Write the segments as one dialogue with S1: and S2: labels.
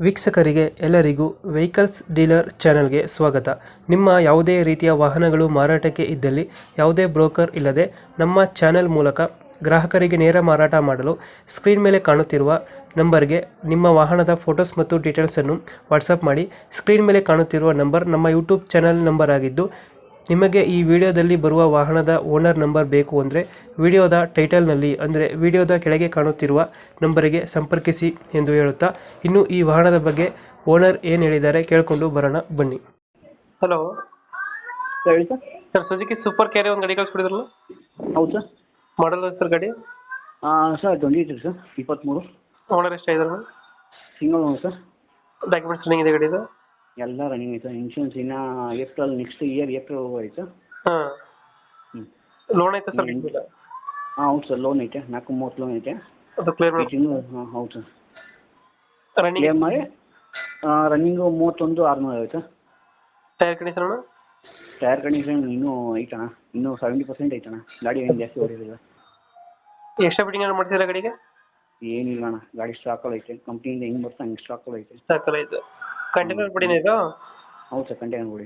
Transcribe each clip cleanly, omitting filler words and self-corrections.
S1: ವೀಕ್ಷಕರಿಗೆ ಎಲ್ಲರಿಗೂ vehicles dealer ಚಾನೆಲ್ಗೆ ಸ್ವಾಗತ. ನಿಮ್ಮ ಯಾವುದೇ ರೀತಿಯ ವಾಹನಗಳು ಮಾರಾಟಕ್ಕೆ ಇದ್ದಲ್ಲಿ ಯಾವುದೇ ಬ್ರೋಕರ್ ಇಲ್ಲದೆ ನಮ್ಮ ಚಾನೆಲ್ ಮೂಲಕ ಗ್ರಾಹಕರಿಗೆ ನೇರ ಮಾರಾಟ ಮಾಡಲು ಸ್ಕ್ರೀನ್ ಮೇಲೆ ಕಾಣುತ್ತಿರುವ ನಂಬರ್ಗೆ ನಿಮ್ಮ ವಾಹನದ ಫೋಟೋಸ್ ಮತ್ತು ಡೀಟೇಲ್ಸನ್ನು ವಾಟ್ಸಪ್ ಮಾಡಿ. ಸ್ಕ್ರೀನ್ ಮೇಲೆ ಕಾಣುತ್ತಿರುವ ನಂಬರ್ ನಮ್ಮ ಯೂಟ್ಯೂಬ್ ಚಾನೆಲ್ ನಂಬರ್ ಆಗಿದ್ದು, ನಿಮಗೆ ಈ ವಿಡಿಯೋದಲ್ಲಿ ಬರುವ ವಾಹನದ ಓನರ್ ನಂಬರ್ ಬೇಕು ಅಂದರೆ ವಿಡಿಯೋದ ಟೈಟಲ್ನಲ್ಲಿ ಅಂದರೆ ವಿಡಿಯೋದ ಕೆಳಗೆ ಕಾಣುತ್ತಿರುವ ನಂಬರಿಗೆ ಸಂಪರ್ಕಿಸಿ ಎಂದು ಹೇಳುತ್ತಾ, ಇನ್ನು ಈ ವಾಹನದ ಬಗ್ಗೆ ಓನರ್ ಏನು ಹೇಳಿದ್ದಾರೆ ಕೇಳಿಕೊಂಡು ಬರೋಣ ಬನ್ನಿ. ಹಲೋ
S2: ಹೇಳಿ sir.
S1: Sir, Suzuki super carry ಒಂದು ಗಾಡಿ ಕಳಿಸ್ಕೊಡಿದ್ರಲ್ಲ,
S2: ಹೌದು ಸರ್.
S1: ಮಾಡಲ್ ಸರ್ ಗಾಡಿ?
S2: Sir 23 sir, 23.
S1: ಓನರ್ ಎಷ್ಟಾಗಿದ್ರು?
S2: Single owner sir.
S1: Documents running ಇದೆ ಗಾಡಿದು?
S2: ಎಲ್ಲ ರನ್ನಿಂಗ್ ಐತೆ. ಇನ್ಶೂರೆನ್ಸ್ ಇನ್ನು ಏಪ್ರಿಲ್ ನೆಕ್ಸ್ಟ್ ಇಯರ್ ಏಪ್ರಿಲ್ ಐತೆ.
S1: ಹಾಂ.
S2: ಹ್ಞೂ.
S1: ಲೋನ್ ಐತೆ ಸರ್?
S2: ಹೌದು ಸರ್, ಲೋನ್ ಐತೆ. 430 ಲೋನ್ ಐತೆ.
S1: ಅದು ಕ್ಲಿಯರ್ ಮಾಡಿ?
S2: ಹಾಂ ಹೌದು ಸರ್.
S1: ರನ್ನಿಂಗ್
S2: ಕ್ಲಿಯರ್ ಮಾಡಿ. ರನ್ನಿಂಗು 31,600 ಐತೆ.
S1: Tyre condition?
S2: ಟೈರ್ ಕಂಡೀಷನ್ ಇನ್ನೂ ಐತಣ್ಣ, ಇನ್ನೂ 70% ಐತಣ್ಣ. ಗಾಡಿ ಏನು ಜಾಸ್ತಿ ಹೊಡಿಲಿಲ್ಲ.
S1: ಎಕ್ಸ್ಟ್ರಾ ಫಿಟ್ಟಿಂಗ್ ಏನು ಮಾಡ್ತಿದ್ದೀರಾ ಗಾಡಿಗೆ?
S2: ಏನಿಲ್ಲ ಅಣ್ಣ, ಗಾಡಿ ಸ್ಟಾಕಲ್ಲಿ ಐತೆ. ಕಂಪ್ನಿಯಿಂದ ಹೆಂಗೆ ಬರ್ತಾ ಹಂಗೆ ಸ್ಟಾಕಲ್ಲಿ ಐತೆ.
S1: ಸಾಕಲ್ಲ ಇದು. ಕಂಟೈನರ್ ಬಿಡಿನ ಇದು?
S2: ಹೌದು ಸರ್, ಕಂಟೈನರ್ ಗಾಡಿ.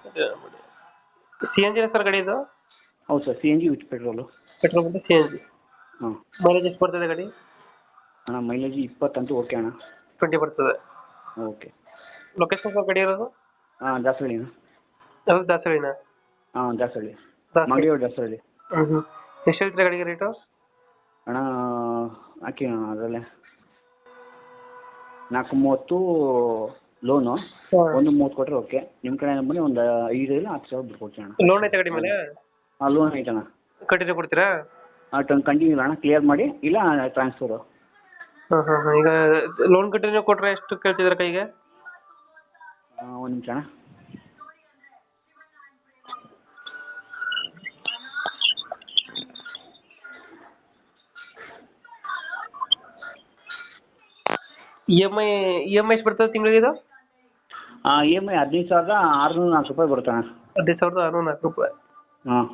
S1: ಸಿ ಎನ್ ಜಿನ ಸರ್ ಗಾಡಿ ಇದು?
S2: ಹೌದು sir, CNG with petrol.
S1: Petrol ಬಿಟ್ಟು ಸಿ ಎನ್ ಜಿ.
S2: ಹಾಂ.
S1: ಮೈಲೇಜ್ ಎಷ್ಟು ಬರ್ತದೆ ಗಾಡಿ?
S2: ಅಣ್ಣ ಮೈಲೇಜ್ 20 ಅಂತೂ ಓಕೆ ಅಣ್ಣ.
S1: 20 ಬರ್ತದೆ.
S2: ಓಕೆ.
S1: ಲೊಕೇಶನ್ ಸರ್ ಗಾಡಿ ಇರೋದು?
S2: ದಾಸರಳ್ಳಿನ.
S1: ಯಾವುದು, ದಾಸರಳ್ಳಿನ?
S2: ದಾಸರಳ್ಳಿ. ಮಂಗಳೂರು ದಾಸರಳ್ಳಿ.
S1: ಹ್ಞೂ. ಎಷ್ಟು ಹೇಳ್ತೀರಾ ಗಾಡಿಗೆ ರೇಟು?
S2: ಅಣ್ಣ ಹಾಕಿ ಅಣ್ಣ ಅದರಲ್ಲೇ 430 ಲೋನು. 130 ಕೊಟ್ಟರೆ ಓಕೆ. ನಿಮ್ಮ ಕಡೆ ಬನ್ನಿ, ಒಂದು 5 ಇಲ್ಲ 10 ಸಾವಿರ ಬಿಟ್ಟು ಕೊಡ್ತೀನಿ ಅಣ್ಣ.
S1: ಲೋನ್ ಐತೆ ಗಾಡಿ ಮೇಲೆ?
S2: ಲೋನ್ ಐತಣ್ಣ.
S1: ಕಂಟಿನ್ಯೂ ಕೊಡ್ತೀರಾ?
S2: ಕಂಟಿನ್ಯೂ ಇಲ್ಲ ಅಣ್ಣ, ಕ್ಲಿಯರ್ ಮಾಡಿ, ಇಲ್ಲ ಟ್ರಾನ್ಸ್ಫರು.
S1: ಹಾಂ. ಈಗ ಲೋನ್ ಕಂಟಿನ್ಯೂ ಕೊಟ್ಟರೆ ಎಷ್ಟು ಕೇಳ್ತಿದ್ದೀರಾ ಕೈಗೆ?
S2: ಒಂದು ನಿಮಿಷ ಅಣ್ಣ.
S1: ಇ ಎಮ್ ಐ ಎಷ್ಟು ಬರ್ತದೆ ತಿಂಗಳಿಗೆ ಇದು?
S2: EMI 15,604 ರೂಪಾಯಿ ಬರುತ್ತೆ ಅಣ್ಣ.
S1: 15,604 ರೂಪಾಯಿ.
S2: ಹಾಂ.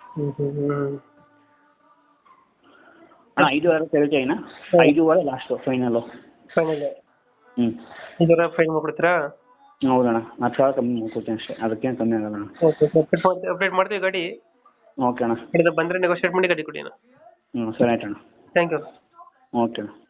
S2: ಅಣ್ಣ 5,500 ಕೇಳ್ತಾ ಇನ್ನ, 5,500 ಲಾಸ್ಟು ಫೈನಲ್ಲು.
S1: ಫೈನಲ್?
S2: ಹ್ಞೂ.
S1: 5,500 ಫೈನ್ ಮಾಡ್ಕೊಡ್ತೀರಾ?
S2: ಹೌದಣ್ಣ, 10,000 ಕಮ್ಮಿ ಮಾಡ್ಕೊಡ್ತೀನಿ ಅಷ್ಟೇ, ಅದಕ್ಕೇನು ಕಮ್ಮಿ ಆಗಲ್ಲ ಅಣ್ಣ.
S1: ಓಕೆ, ಅಪ್ಡೇಟ್ ಮಾಡ್ತೀವಿ ಗಾಡಿ.
S2: ಓಕೆ ಅಣ್ಣ.
S1: ಬಂದರೆ ನೆಗೋಷಿಯೇಟ್ ಮಾಡಿ ಗಾಡಿ ಕೊಡಿ ಅಣ್ಣ.
S2: ಹ್ಞೂ ಸರಿ ಆಯ್ತು ಅಣ್ಣ.
S1: Thank you.
S2: ಓಕೆ ಅಣ್ಣ.